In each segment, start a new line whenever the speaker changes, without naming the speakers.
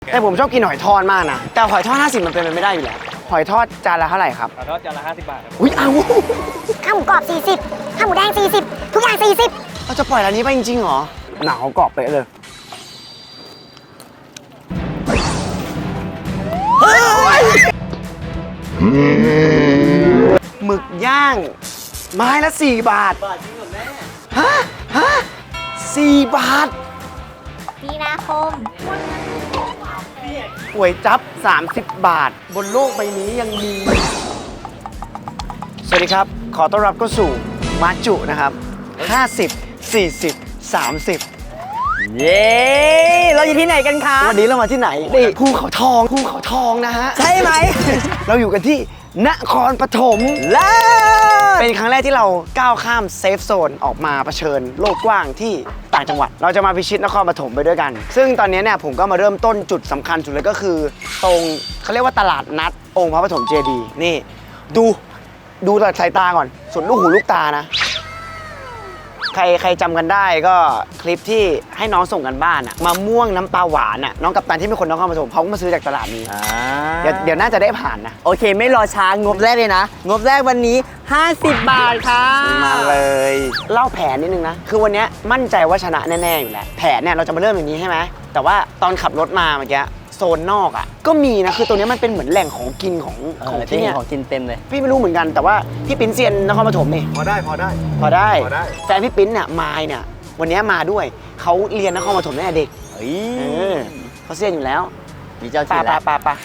แต่ผมชอบกินหอยทอดมากนะแต่หอยทอด50มันเป็นไปไม่ได้อยู่แล้วหอยทอดจานละเท่าไหร่ครับ
หอยทอดจานละ50 บาทครับ
อุ้ยเอา
ข้าวหมูกรอบ40ข้าวหมูแดง40ทุกอย่าง40
เราจะปล่อยร้านนี้ไปจริงๆเหรอหนาวกรอบไปเลยหมึกย่างไม้ละ4 บาทฮะ4 บาท
มีนาคม
ก๋วยจั๊บ30 บาท บนโลกใบนี้ยังมี สวัสดีครับ ขอต้อนรับเข้าสู่มาจุนะครับ50 40 30
เย้ เราอยู่ที่ไหนกันคะ
วันนี้เรามาที่ไหนนี่ภูเขาทองนะฮะ
ใช่ไหม
เราอยู่กันที่นครปฐม
เลิศ
เป็นครั้งแรกที่เราก้าวข้ามเซฟโซนออกมาเผชิญโลกกว้างที่ต่างจังหวัด เราจะมาพิชิตนครปฐมไปด้วยกัน ซึ่งตอนนี้เนี่ยผมก็มาเริ่มต้นจุดสำคัญสุดเลยก็คือ ตรงเขาเรียกว่าตลาดนัดองค์พระปฐมเจดีย์นี่ ดูจากสายตาก่อนสุดลูกหูลูกตานะ ใครจำกันได้ก็คลิปที่ให้น้องส่งกันบ้านอะมะม่วงน้ำปลาหวานอะน้องกัปตันที่เป็นคนนครปฐมเขาก็มาซื้อจากตลาดนี้เดี๋ยวน่าจะได้ผ่านนะ
โอเคไม่รอช้างบแรกเลยนะ งบแรกวันนี้ 50 บาทค่ะ
มาเลยเล่าแผนนิดนึงนะ คือวันนี้มั่นใจว่าชนะแน่ๆอยู่แล้วแผนเนี่ยเราจะมาเริ่มอย่างนี้ใช่ไหมแต่ว่าตอนขับรถมาเมื่อกี้โซนนอกอ่ะก็มีนะคือตรงนี้มันเป็นเหมือนแหล่งของกินของ
ที่
ที่
นี่
เนี่ย
ของกินเต็มเลย
พี่ไม่รู้เหมือนกันแต่ว่าพี่ปิ้นเซียนนครปฐมนี่
พอได้
พอได้แฟนพี่ปิ้นเนี่ยมายเนี่ยวันนี้มาด้วยเขาเรียนนครปฐมตั้งแต่เด็ก
เฮ้ย
เขาเซียนอยู่แล้ว
มีเจ้าถิ่นแล้ว
ปะ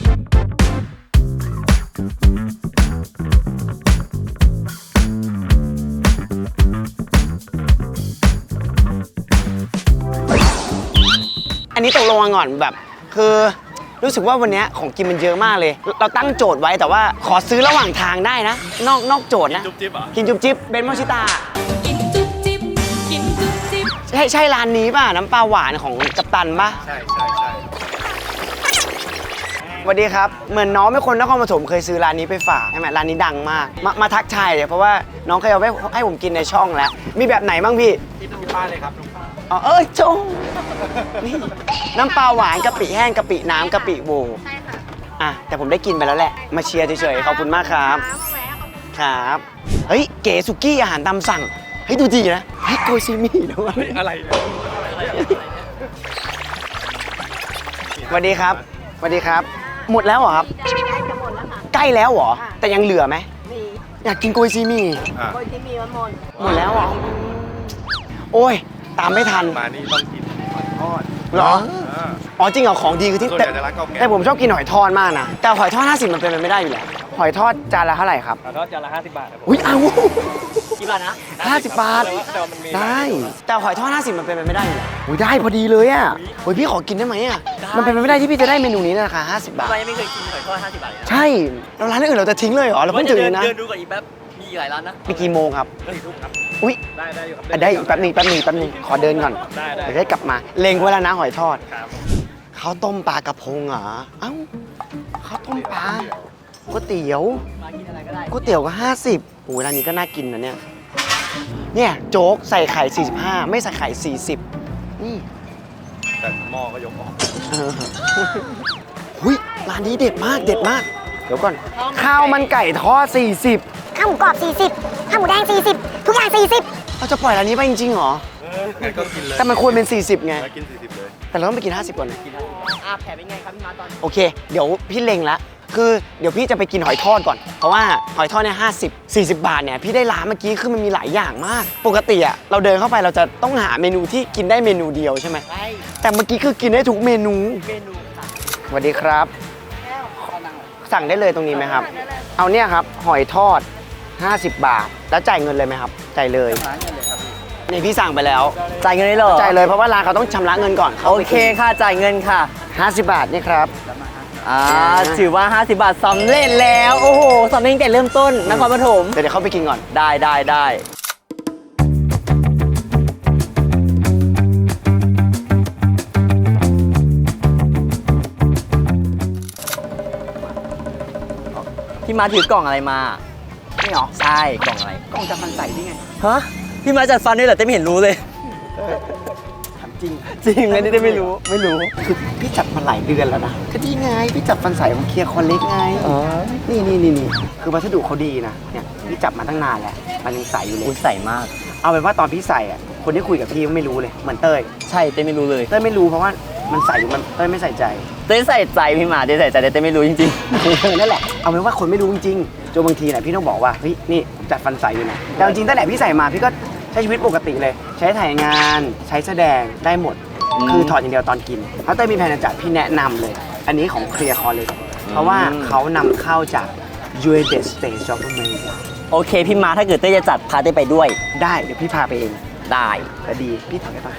อันนี้ตกลงกันก่อนแบบคือรู้สึกว่าวันนี้ของกินมันเยอะมากเลย เราตั้งโจทย์ไว้แต่ว่าขอซื้อระหว่างทางได้นะ นอกโจทย์นะ
จุ๊บจิ๊บเหรอ
กินจุ๊บจิ๊บเบนซ์มอชิตา
กินจุ๊บจิ๊บกินจุ๊บจิ๊บ
ใช่ร้านนี้ป่ะน้ำปลาหวานของกัปตันป่ะ
ใช่
สวัสดีครับเหมือนน้องเป็นคนนครปฐมเคยซื้อร้านนี้ไปฝากใช่ไหมร้านนี้ดังมากมาทักทายเลยเพราะว่าน้องเคยเอาไว้ให้ผมกินในช่องแล้วมีแบบไหนบ้างพี่
ที่ดูป้าเลยครับดูป้า
อ๋อจงนี่น้ำปลาหวานกะปิแห้งกะปิน้ำกะปิโวใช่ค่ะอ่ะแต่ผมได้กินไปแล้วแหละมาเชียร์เฉยๆขอบคุณมากครับครับเฮ้ยเก๋สุกี้อาหารตามสั่งเฮ้ยดูดีนะเฮ้ยโกยซีมี่ด้วย
อะไรเนี่ย
สวัสดีครับสวัสดีครับ หมดแล้วเหรอครับใกล้แล้วเหรอแต่ยังเหลือไหมอยากกินโกยซีมี่
อ่ะ
หมดแล้วเหรอโอ้ยตามไม่ทัน
มานี่ต้องกินหอยทอด
เหรอ
อ่า
อ๋อจริงเหรอของดีคือที่
ส่วนใหญ่จะร้านเก่าแก่
แต่ผมชอบกินหอยทอดมากนะแต่หอยทอด50มันเป็นไปไม่ได้อยู่แล้วหอยทอดจานละเท่าไหร่ครับ
หอยทอดจานละ50 บาทครับผม
อุ้ยเอา
กี่บาทนะ
50 บาท
แต่ว่ามันมี
ได้แต่หอยทอด50มันเป็นไปไม่ได้อยู่แล้วอุ้ยได้พอดีเลยอ่ะโอ้ยพี่ขอกินได้ไหมอ่ะมันเป็นไปไม่ได้ที่พี่จะได้เมนูนี้ในราคา50 บาท
ทำไมไม่เคยกินหอยทอด50 บาทเลยนะ
ใช่แล้วร้านอื่นเราจะทิ้งเลยเหรอเราเพิ่งถึงเลยนะ
เดินดูก่อนอีกแป๊บ มีอีกหลายร้านนะ
มีกี่โมงครับ
ทุกครับ
อุ้ย
ได้อยู่ครับ
ได้อีกแป๊บนึงขอเดินก่อน
ได้
เดี๋ยวได้กลับมาเล็งไว้แล้วนะหอยทอด
ครับ
ข้าวต้มปลากระพงเหรอเอ้าข้าวต้มปลาก๋วยเตี๋ยว
มากินอะไรก็ได้
ก๋วยเตี๋ยวก็50โอ้ยร้านนี้ก็น่ากินนะเนี่ย เนี่ยโจ๊กใส่ไข่ 45 ไม่ใส่ไข่ 40 นี่
แต่หม้อก็ยกออก
เออหุยร้านนี้เด็ดมาก เดี๋ยวก่อน ข้าวมันไก่ทอด 40
ข้าวหมูกรอบ40ข้าวหมูแดง40ทุกอย่าง40
เราจะปล่อยร้านนี้ไปจริงๆเหรอ
งั้นก็กินเลย
แต่มันควรเป็น 40 ไง
แล้วกิน40เลย
แต่เราต้องไปกิน 50 ก่อนนะ
แผลเป็นไงครับพี่มาตอนนี้
โอเค เดี๋ยวพี่เล็งละคือเดี๋ยวพี่จะไปกินหอยทอดก่อน เพราะว่าหอยทอดเนี่ย40 บาทเนี่ยพี่ได้ร้านเมื่อกี้คือมันมีหลายอย่างมาก ปกติอะเราเดินเข้าไปเราจะต้องหาเมนูที่กินได้เมนูเดียวใช่ไหม
ใช่
แต่เมื่อกี้คือกินได้ทุกเมนู
เมนูสั่ง
สวัสดีครับ สั่งได้เลยตรงนี้ไหมครับ เอาเนี่ยครับหอยทอด 50 บาท แล้วจ่ายเงินเลยไหมครับ จ่ายเลย
ร้านเงินเลยครับพี่
นี่พี่สั่งไปแล้ว
จ่ายเงินได้เหรอ
จ่ายเลยเพราะว่าร้านเขาต้องชำระเงินก่อน
โอเคค่ะ จ่ายเงินค่ะ
50 บาทนี่ครับ
ถือว่า 50 บาทสำเร็จแล้ว โอ้โหสำเร็จตั้งแต่เริ่มต้นนครปฐม
เดี๋ยวเข้าไปกินก่อน
ได้พี่มาถือกล่องอะไรมา
นี่เหรอ
ใช่กล่องอะไร
กล่องจะฟันใส่ได้ไง
ฮะ พี่มาจัดฟันด้วยเหรอแต่ไม่เห็นรู้เลย
จจริง
จริงอันนี้ได้ไม่รู้ไม่รู้
คือพี่จัดมาหลายเดือนแล้วนะก็นี่ไงพี่จัดฟันใสของเคลียร์คอนเล็กไง
อ๋อ
นี่คือวัสดุเขาดีนะเนี่ยพี่จับมาตั้งนานแล้วมันยังใสอยู่เลย
อุ้ยใส่มาก
เอาเป็นว่าตอนพี่ใส่อ่ะคนที่คุยกับพี่ไม่รู้เลยเหมือนเต้ย
ใช่เต้ไม่รู้เลย
เต้ยไม่รู้เพราะว่ามันใส่อยู่มันเต้ยไม่ใส่ใจ
เต้ใส่ใจพี่หมาเต้ใส่ใจแต่เต้ไม่รู้จริง
นั่นแหละเอาเป็นว่าคนไม่รู้จริงๆจนบางทีเนี่ยพี่ต้องบอกว่าเฮ้ยนี่ผมจัดฟันใสอยู่นะแต่จริงๆตั้งแต่พี่ใส่มาพี่ก็ใช้ชีวิตปกติเลย ใช้ถ่ายงานใช้แสดงได้หมด คือถอดอย่างเดียวตอนกินถ้าเต้ยมีแผนจะจัดพี่แนะนำเลย อันนี้ของเคลียร์คอเลยเพราะว่าเขานำเข้าจาก United States of America
ๆ โอเคพี่หมาถ้าเกิดเต้จะจัดพาเต้ไปด้วย
ได้เดี๋ยวพี่พาไปเอง
ได้
แต่ดีพี่ถอดได้ปะ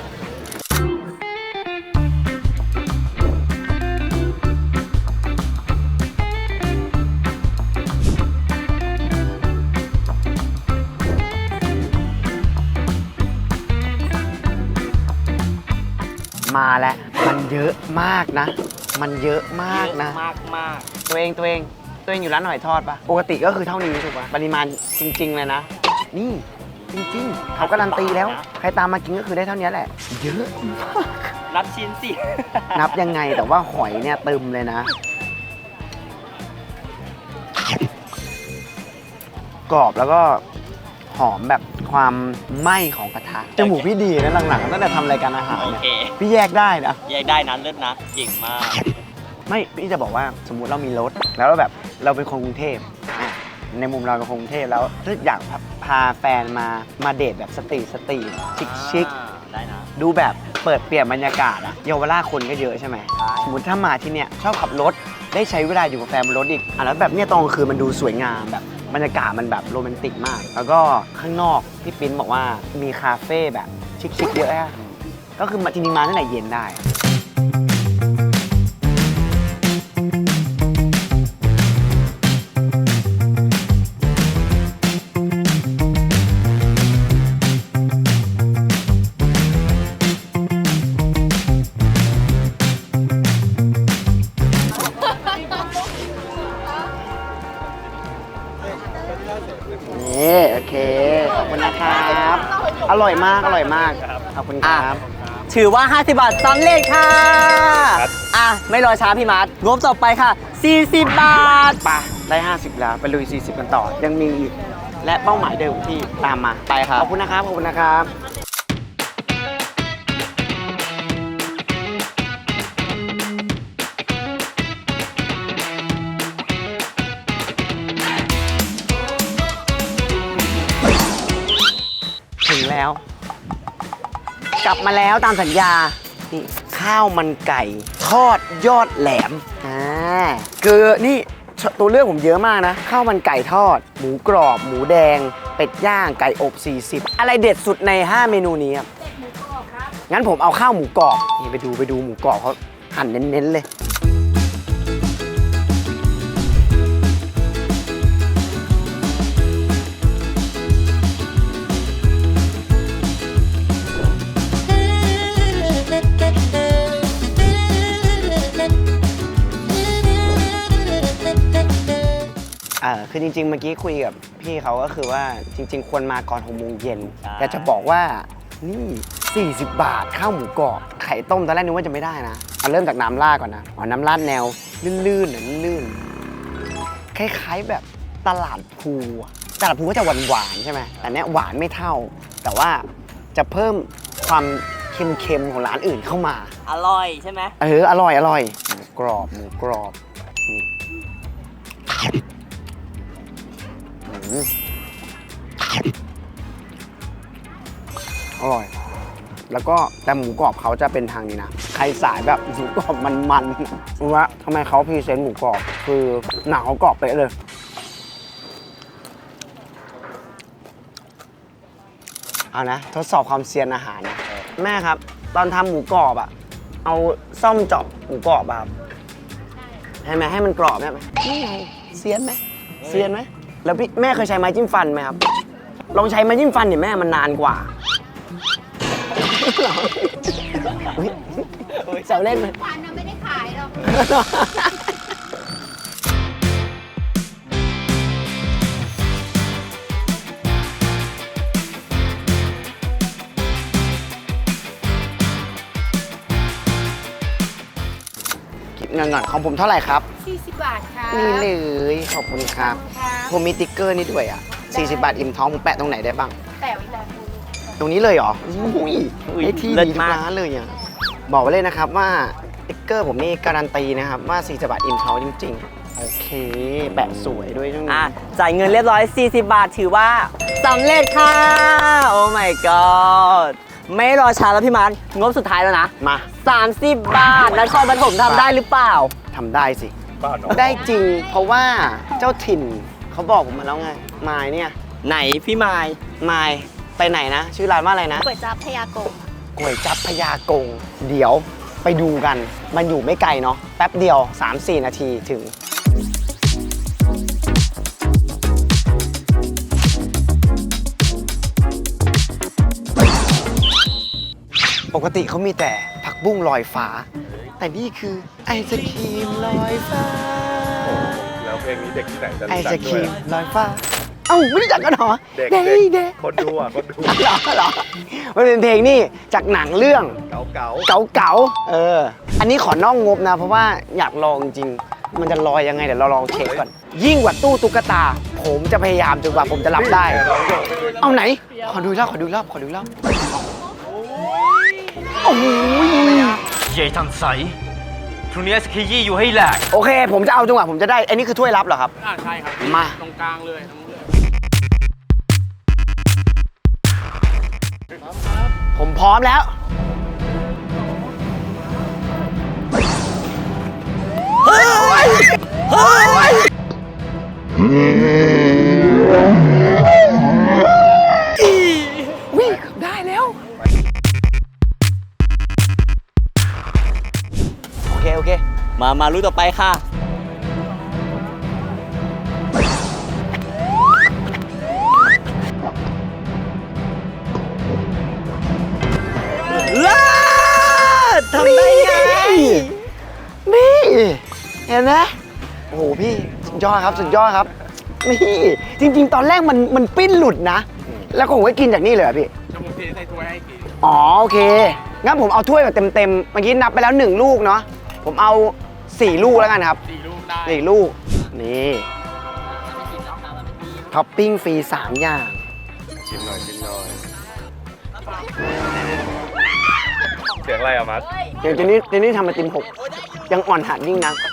มาแล้วมันเยอะมากนะ มันเยอะมากนะ
มาก
ตัวเองอยู่ร้านหอยทอดปะปกติก็คือเท่านี้ถูกปะปริมาณจริง ๆ เลยนะ นี่จริง ๆ เขาการันตีแล้ว ใครตามมากินก็คือได้เท่านี้แหละ เยอะมาก
นับชิ้นสิ
นับยังไงแต่ว่าหอยเนี่ยเติมเลยนะ กรอบแล้วก็หอมแบบความไหม้ของกระทะจมูกพี่ดีนะหลังๆตั้งแต่ทำรายการอาหาร
โอ
เนี่ย
เค
พี่แยกได้นะ
แยกได้นะเลิศนะเก่งมาก
ไม่พี่จะบอกว่าสมมุติเรามีรถแล้วเราแบบเราเป็นคนกรุงเทพอ่ะในมุมเราเป็นคนกรุงเทพแล้วถ้าอยากพาแฟนมาเดทแบบสตรีทชิค
ได้นะ
ดูแบบเปิดเปลี่ยนบรรยากาศอะเยาวราชคนก็เยอะใช่ไหม
ใช่
สมมติถ้ามาที่เนี่ยชอบขับรถได้ใช้เวลาอยู่กับแฟนบนรถอีกอ่ะแล้วแบบเนี่ยตอนกลางคืนมันดูสวยงามแบบบรรยากาศมันแบบโรแมนติกมาก แล้วก็ข้างนอกที่ปิ้นบอกว่ามีคาเฟ่แบบชิคๆเยอะอะก็คือจริงๆมาตั้งแต่เย็นได้ นี่โอเค ขอบคุณนะครับ อร่อยมาก ขอบคุณครับ
ถือว่า 50 บาทสำเร็จค่ะ อ่ะ ไม่รอช้าพี่มาร์ทงบต่อไปค่ะ 40 บาท
ไปได้ 50 แล้ว ไปลุย 40 กันต่อ ยังมีอีก และเป้าหมายเดิมที่ตามมา
ไปครับ
ขอบคุณนะครับ ขอบคุณนะครับ ถึงแล้ว กลับมาแล้วตามสัญญา นี่ข้าวมันไก่ทอดยอดแหลมคือนี่ตัวเลือกผมเยอะมากนะ ข้าวมันไก่ทอด หมูกรอบ หมูแดง เป็ดย่าง ไก่อบ 40 อะไรเด็ดสุดใน 5 เมนูนี้ครับงั้นผมเอาข้าวหมูกรอบ นี่ไปดูหมูกรอบเขาหั่นเน้นๆเลย คือจริงๆ เมื่อกี้คุยกับพี่เขาก็คือว่าจริงๆ ควรมาก่อน6 โมงเย็น
ใช่
แต่จะบอกว่านี่ 40 บาทข้าวหมูกรอบไข่ต้มตอนแรกนึกว่าจะไม่ได้นะเอาเริ่มจากน้ำราดก่อนนะน้ำราดแนวลื่นๆลื่นๆคล้ายๆแบบตลาดพลูก็จะหวานๆใช่ไหมแต่เนี้ยหวานไม่เท่า แต่ว่าจะเพิ่มความเค็มๆของร้านอื่นเข้ามา
อร่อยใช่ไหม
อร่อยหมูกรอบนี่อร่อย แล้วก็แต่หมูกรอบเขาจะเป็นทางนี้นะ ใครสายแบบหมูกรอบมันๆรู้ว่าทำไมเขาพรีเซนต์หมูกรอบ คือหนังเขากรอบไปะเลย เอานะ ทดสอบความเซียนอาหารนะ แม่ครับ ตอนทำหมูกรอบอะเอาซ่อมเจาะหมูกรอบอะครับให้ไหมให้มันกรอบได้ไหมนี่ไงเซียนไหมแล้วพี่แม่เคยใช้ไม้จิ้มฟันไหมครับ ลองใช้ไม้จิ้มฟันเนี่ยแม่มันนานกว่าเสาเล่นไหมฟันไม่ได้ขายหรอกเงินของผมเท่าไหร่ครับ
40 บาทค่ะ
นี่เลยขอบคุณครับ ผมมีติ๊กเกอร์นี่ด้วยอ่ะ 40 บาทอิ่มท้องผมแปะตรงไหนได้บ้าง
แต่ไว้แต่
ตรงนี้เลยเหรออุ้ยไอ้ที่
เลิศ
ดีทุ
มาก ก
ร้านเลยอ่ะ บอกไว้เลยนะครับว่าติ๊กเกอร์ผมนี่การันตีนะครับว่า40 บาทอิ่มท้องจริงๆ โอเค แปะสวยด้วยช่วงนี้
จ่ายเงินเรียบร้อย 40 บาทถือว่าสำเร็จค่ะ โอ้ my god ไม่รอช้าแล้วพี่มันงบสุดท้ายแล้วนะ
มา
30 บาทนครปฐมทำได้หรือเปล่า
ทำได้สิ
บ้านเนาะ
ได้จริง เพราะว่าเจ้าถิ่นเขาบอกผมมาแล้วไงมายเนี่ย
ไหนพี่ไมาย
มายไปไหนนะ ชื่อร้านว่าอะไรนะ
ก๋วยจั๊บพยากง
ก๋วยจั๊บพญากง เดี๋ยวไปดูกัน มันอยู่ไม่ไกลเนาะแป๊บเดียว 3-4 นาทีถึง ปกติเขามีแต่ผักบุ้งลอยฟ้า แต่นี่คือไอศครีมลอยฟ้า
แล้วเพลงนี้เด็กที่ไหนจะ
ไอ
รู้
ศ
จัก
ค
ด้ว
รี
ย
มลอยฟ้า เอ้าไม่รู้จักกันเหรอ
เด็ก
เด็ก
เด็ก
เด็ก
คนดูอ่ะคนดู
เหรอมันเป็นเพลงนี่จากหนังเรื่อง
เก๋าเก๋า
เก๋าๆอันนี้ขอนอกงบนะ เพราะว่าอยากลองจริงๆมันจะลอยยังไงเดี๋ยวเราลองเช็คก่อน ยิ่งกว่าตู้ตุ๊กตา ผมจะพยายามจนกว่าผมจะรับได้ เอาไหน ขอดูอีกรอบขอดูอีกรอบขอดูอีกรอบโอ้โห
ใหญ่ทันใสพรุ่งนี้สกียี่อยู่ให้แหลก
โอเค ผมจะเอาจนกว่าผมจะได้ อันนี้คือถ้วยรับเหรอครับ
ใช่ครับ
มา
ตรงกลางเลยทั้งหมด
ผมพร้อมแล้ว เฮ้ย เฮ้ย วิ่งได้แล้ว โอเค โอเค
มารู้ต่อไปค่ะ เลิศทำได้ไง
นี่ เห็นไหมโอ้โห พี่สุดยอดครับ สุดยอดครับ นี่ จริง ๆ ตอนแรกมันปิ้นหลุดนะ แล้วผมก็กินจากนี่เลยเหรอพี่
จะผมเทใส่ถ้วยให้กิน
อ๋อ โอเค งั้นผมเอาถ้วยแบบเต็มๆ เมื่อกี้นับไปแล้ว 1 ลูกเนาะ ผมเอา 4 ลูกแล้วกันครับ
4 ลูกได้
4 ลูก นี่ท็อปปิ้งฟรี 3 อย่าง
ชิมหน่อยชิมหน่อยเสียงอะไรอะมัด
เดี๋ยวเจนี่ทำมาติม6ยังอ่อนหัดยิ่งนัก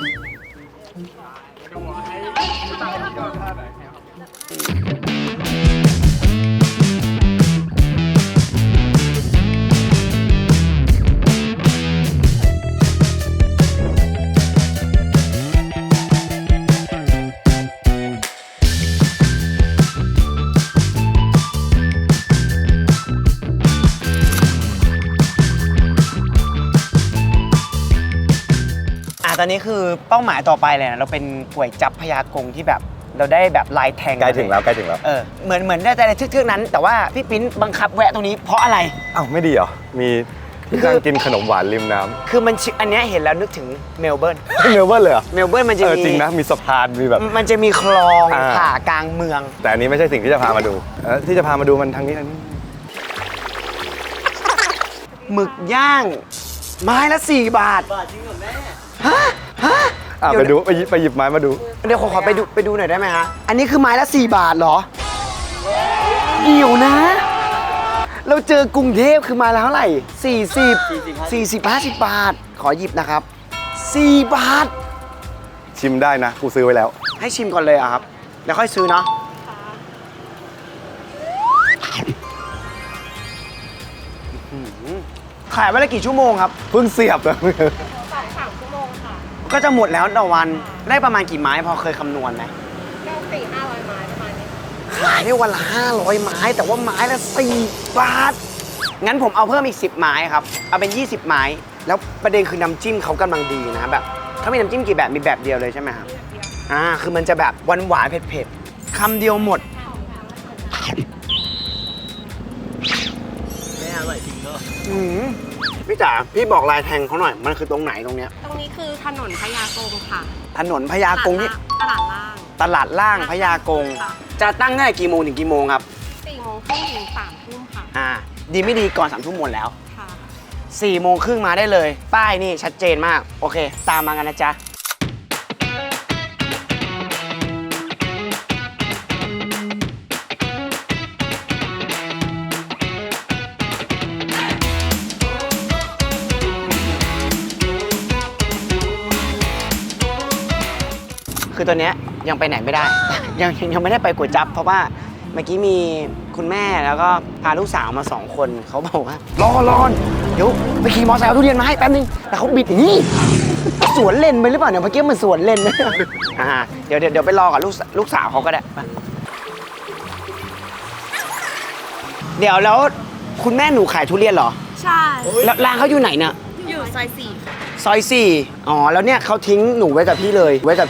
ตอนนี้คือเป้าหมายต่อไปเลยนะเราเป็นก๋วยจั๊บพญากงที่แบบเราได้แบบลายแทง
ใกล้ถึงแล้วใกล้ถึงแล้ว
เหมือนได้แต่ในทึกๆนั้น แต่ว่าพี่ปิ๊นบังคับแวะตรงนี้เพราะอะไร
อ้าวไม่ดีเหรอ มีที่
คือ
นั่งกินขนมหวานริมน้
คือมันอันเนี้ยเห็นแล้วนึกถึงเมลเบิร์น
ำเมลเบิร์นเลยเหรอ
เมลเบิร์นมันจะ
จริงนะมีสะพานมีแบบ
มันจะมีคลอง
อ่า
ผ่ากลางเมือง
แต่อันนี้ไม่ใช่สิ่งที่จะพามาดูที่จะพามาดูมันทางนี้ทางนี้
หมึกย่าง ไม้ละ4 บาท
บาทจริงเหรอแม่
ฮะฮะ
ไป
เดี๋ยว
ดูไปหยิบไม้มาดู
เดี๋ยวขอไปดูหน่อยได้ไหมฮะ อันนี้คือไม้ละ4 บาทเหรอเดี๋ยวนะ เราเจอกรุงเทพคือไม้ละเท่าไหร่40 50 บาท ขอหยิบนะครับ 4 บาท
ชิมได้นะกูซื้อไว้แล้ว
ให้ชิมก่อนเลยอะครับ แล้วค่อยซื้อเนาะขายวันละกี่ชั่วโมงครับ
เพิ่งเสียบเลย
ก็จะหมดแล้วต่อวัน ได้ประมาณกี่ไม้พอเคยคำนวณไหมขายได้วันละ 500 ไม้ แต่ว่าไม้ละ 4 บาท งั้นผมเอาเพิ่มอีก 10 ไม้ครับ เอาเป็น 20 ไม้ แล้วประเด็นคือน้ำจิ้มเขากำลังดีนะแบบเขามีน้ำจิ้มกี่แบบ มีแบบเดียวเลยใช่ไหมครับ คือมันจะแบบหวานๆเผ็ดๆคำเดียวหมด
แม่อร่อยจริงเนอะ
พี่จ๋า พี่บอกลายแทงเขาหน่อย มันคือตรงไหนตรงเนี้ย
ตรงนี้คือถนนพญากงค่ะ
ถนนพญากงที่
ตลาดล่าง
ตลาดล่างพญากง
ค่ะ
จะตั้งตั้งแต่กี่โมงถึงกี่โมงครับ
4 โมงครึ่งถึง 3 ทุ่มค่ะ
ดีไม่ดีก่อน3 ทุ่มหมดแล้ว
ค่ะ
4 โมงครึ่งมาได้เลย ป้ายนี่ชัดเจนมาก โอเค ตามมากันนะจ๊ะ คือตัวเนี้ยยังไปไหนไม่ได้ ยังไม่ได้ไปก๋วยจั๊บเพราะว่าเมื่อกี้มีคุณแม่แล้วก็พาลูกสาวมา2 คนเขาบอกว่ารอเดี๋ยวไปขี่มอเตอร์ไซค์เอาทุเรียนมาให้แป๊บนึงแต่เขาบิดอย่างนี้สวนเลนไปหรือเปล่าเนี่ยเมื่อกี้มันสวนเลนนะเดี๋ยวไปรอกับลูกสาวเขาก็ได้ไปเดี๋ยวแล้วคุณแม่หนูขายทุเรียนเหรอ
ใช่
แล้วร้านเขาอยู่ไหนเนี่ย
อยู่ซอย4
ซอย4อ๋อ แล้วเนี่ยเขาทิ้งหนูไว้กับพี่เลย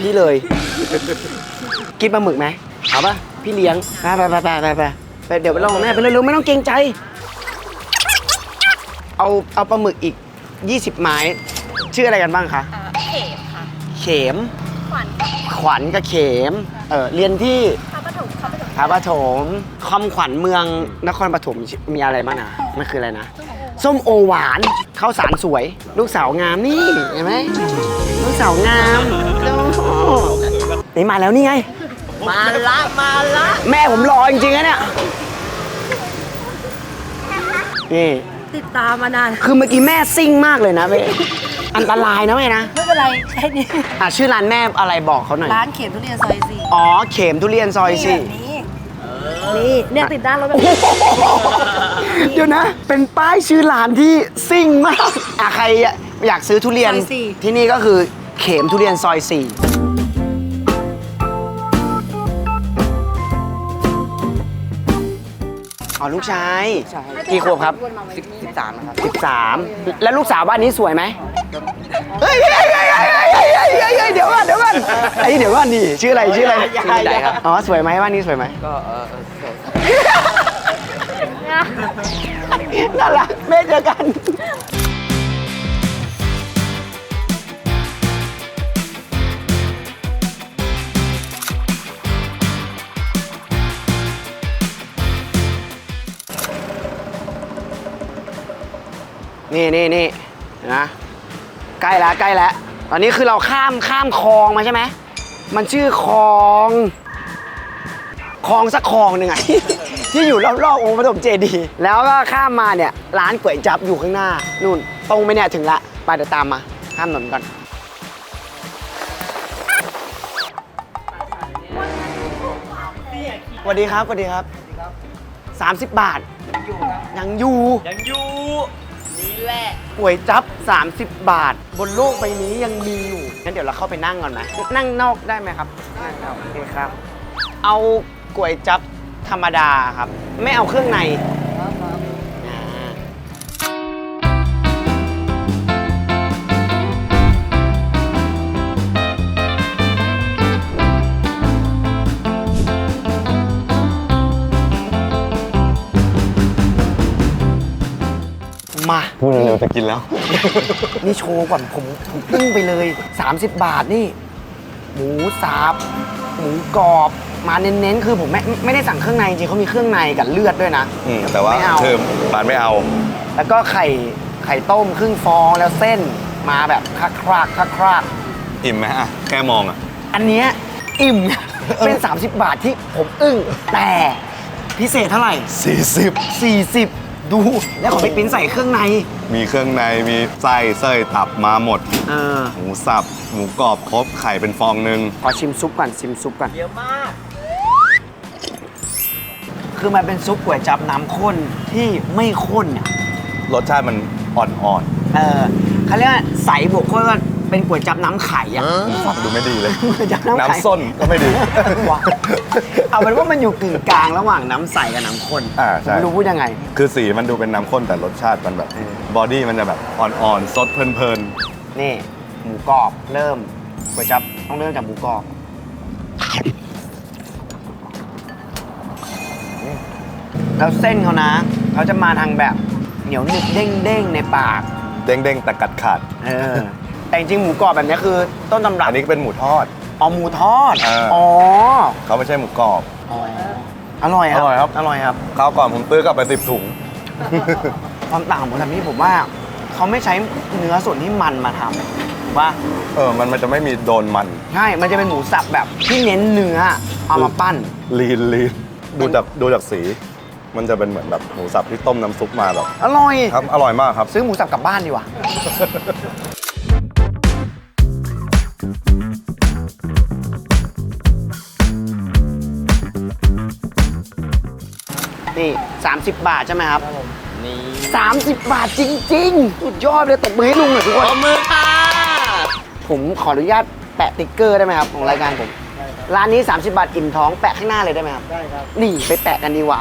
กินปลาหมึกไหมเอาป่ะ พี่เลี้ยง ไปเดี๋ยวไปลองแม่ไปเร็วๆไม่ต้องเกรงใจ เอาปลาหมึกอีก 20 ไม้ ชื่ออะไรกันบ้างคะ
เข็มค่ะ
เข็ม ขวัญกับเข็ม เรียนที่
พระปฐม
พระปฐมคำขวัญเมืองนครปฐมมีอะไรบ้างนะมันคืออะไรนะ ส้มโอหวานข้าวสารสวย ลูกสาวงามนี่เห็นไหมลูกสาวงามนี่มาแล้วนี่ไง
มาละ
แม่ผมรอจริงๆนะเนี่ยนี่
ติดตามมานาน
คือเมื่อกี้แม่ซิ่งมากเลยนะเว้ยอันตรายนะแม่นะ
ไม่เป็นไรแค่นี้
ชื่อร้านแม่อะไรบอกเขาหน่อย
ร้านเข็มทุเรียนซอย4
อ๋อเข็มทุเรียนซอย
นี่แบบนี้นี่เนี่ยติดด้านรถแบบนี้
4เดี๋ยวนะ เป็นป้ายชื่อร้านที่ซิ่งมากใครอยากซื้อทุเรียน
ซอยสี่
ที่นี่ก็คือเข็มทุเรียนซอย 4อ๋อลูกชายกี่ขวบครับ
13นะครับ
13 แล้วลูกสาวบ้านนี้สวยไหมเฮ้ยเดี๋ยวก่อนเดี๋ยวก่อนนี่ชื่ออะไรชื่ออะไรครับอ๋อสวยไหมบ้านนี้สวยไหม
ก็
น่ารักแม่เจอกันนี่นะใกล้แล้วตอนนี้คือเราข้ามคลองมาใช่ไหมมันชื่อคลองสักคลองหนึ่งไง ที่อยู่รอบๆองค์ปฐมเจดีย์แล้วก็ข้ามมาเนี่ยร้านก๋วยจั๊บอยู่ข้างหน้านู่นตรงไปเนี่ยถึงละไปเดี๋ยวตามมาข้ามถนนก่อนสวัสดีครับ30 บาทยังอยู่นี่แหละก๋วยจั๊บ30 บาท บนโลกใบนี้ยังมีอยู่งั้นเดี๋ยวเราเข้าไปนั่งก่อนไหมนั่งนอกได้ไหมครับนั่งนอกโอเคครับ เอาก๋วยจั๊บธรรมดาครับ ไม่เอาเครื่องในอ่ามา
พูดเร็วๆจะกินแล้ว
นี่โชว์ก่อนผมปึ้งไปเลย 30 บาทนี่ หมูสับหมูกรอบมาเน้นๆคือผมไม่ได้สั่งเครื่องในจริงเขามีเครื่องในกับเลือดด้วยนะ
แต่ว่า
ไม่เอา
เธอปานไม่เอา
แล้วก็ไข่ต้มครึ่งฟองแล้วเส้นมาแบบคลัก
อิ่มไหมอ่ะแค่มองอ่ะ
อันเนี้ยอิ่ม เป็น 30 บาทที่ผมอึ้งแต่พิเศษเท่าไหร่ 40 ดูแล้วของพี่ปิ้นใส่เครื่องใน
มีเครื่องในมีไส้เส้ยตับมาหมด หมูสับหมูกรอบครบไข่เป็นฟองนึง
ขอชิมซุปก่อน
เยอะมาก
คือมันเป็นซุปก๋วยจั๊บน้ำข้นที่ไม่ข้นอ่ะ
รสชาติมันอ่อน
เขาเรียกว่าใสบวกข้นก็เป็นก๋วยจั๊บน้ำไข่อ่ะ
ๆฟังดูไม่ดีเลย
ก๋วยจั๊บน้ำไข่
น้ำส้นก็ไม่ดี
ว้าวเอาเป็นว่ามันอยู่กึ่งกลางระหว่างน้ำใสกับน้ำข้น
ใช่
ไม่รู้พูดยังไง
คือสีมันดูเป็นน้ำข้นแต่รสชาติมันแบบบอดี้มันจะแบบอ่อนๆ สดเพลิน
นี่หมูกรอบเริ่มก๋วยจั๊บต้องเริ่มจากหมูกรอบแล้วเส้นเขานะเขาจะมาทางแบบเหนียวหนึบเด้งๆในปาก
ๆ เด้งๆแต่กัดขาด
แต่จริงๆหมูกรอบแบบนี้คือต้นตำรับ
อันนี้เป็นหมูทอด
อ๋อหมูทอด
อ๋อ เขาไม่ใช่หมูกรอบ
อร่อยครับ
อร่อยครับ
อร่อยครับ
ข้าวก่อนผมซื้อกลับไป10 ถุง
ความต่างของหมูทำนี่ผมว่าเขเขาไม่ใช้เนื้อส่วนที่มันมาทำถูกป่ะ
มันจะไม่มีโดนมัน
ใช่มันจะเป็นหมูสับแบบที่เน้นเนื้อเอามาปั้น
ลีนดูจากสี มันจะเป็นเหมือนแบบหมูสับที่ต้มน้ำซุปมาแบบ
อร่อย
ครับอร่อยมากครับ
ซื้อหมูสับกลับบ้านดีกว่า นี่ 30 บาทใช่ไหมครับ
นี่
30 บาทจริงๆ สุดยอดเลยตบมือให้ลุงหน่อยทุกค
ป
น
รบมือค่ะ
ผมขออนุญาตแปะติ๊กเกอร์ได้ไหมครับ ของรายการผม ร้านนี้ 30 บาทอิ่มท้องแปะข้างหน้าเลยได้ไหมครับ ได้ครับ นี่ไปแปะกันดีกว่า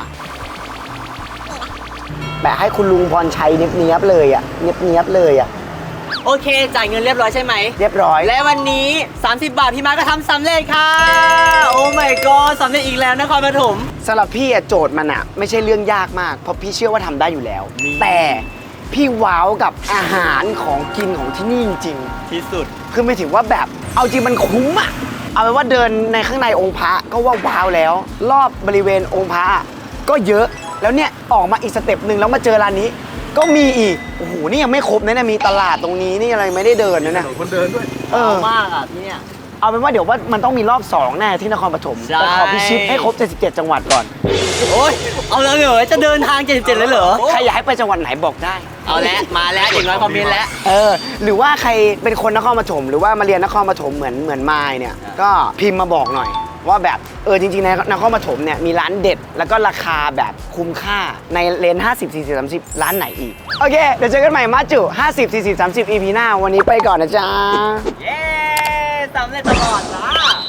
แปะให้คุณลุงพรชัยเนียบๆเลยอ่ะเนียบๆเลยอ่ะ
โอเค จ่ายเงินเรียบร้อยใช่ไหม
เรียบร้อย
และวันนี้ 30 บาทพี่มาร์คก็ทำสำเร็จค่ะ โอ้ my god สำเร็จอีกแล้วนครปฐม
สำหรับพี่อะโจทย์มันอะไม่ใช่เรื่องยากมาก เพราะพี่เชื่อว่าทำได้อยู่แล้ว แต่พี่ว้าวกับอาหารของกินของที่นี่จริง
ที่สุด
ๆคือไม่ถึงว่าแบบเอาจริงมันคุ้มอะเอาเป็นว่าเดินในข้างในองค์พระก็ว่าว้าวแล้ว รอบบริเวณองค์พระก็เยอะแล้วเนี่ยออกมาอีกสเต็ปหนึ่งแล้วมาเจอร้านนี้ ก็มีอีกโอ้โหนี่ยังไม่ครบนะเนี่ยมีตลาดตรงนี้นี่อะไรไม่ได้เดินนะเนี่ย
คนเดินด้วย
เออ
มากอ่ะที่เนี่ย
เอาเป็นว่าเดี๋ยวว่ามันต้องมีรอบ2แน่ที่นครปฐม
ใช่
แต่ขอพิชิตให้ครบ77จังหวัดก่อน
โอ้ยเอาแล้วเหรอจะเดินทาง77เลยเหรอ
ใครอยากให้ไปจังหวัดไหนบอกได้
เอาแล้วมาแล้วอย่างน้อยคอมเมนต์แล้ว
หรือว่าใครเป็นคนนครปฐมหรือว่ามาเรียนนครปฐมเหมือนมายเนี่ย ก็พิมพ์มาบอกหน่อย ว่าแบบจริงๆในนครปฐมเนี่ยมีร้านเด็ด แล้วก็ราคาแบบคุ้มค่าในเลน50 40 30 ร้านไหนอีก โอเค เดี๋ยวเจอกันใหม่มาจุ50 40 30 EP หน้าวันนี้ไปก่อนนะจ๊ะ
เย้สำเร็จตลอดจ้า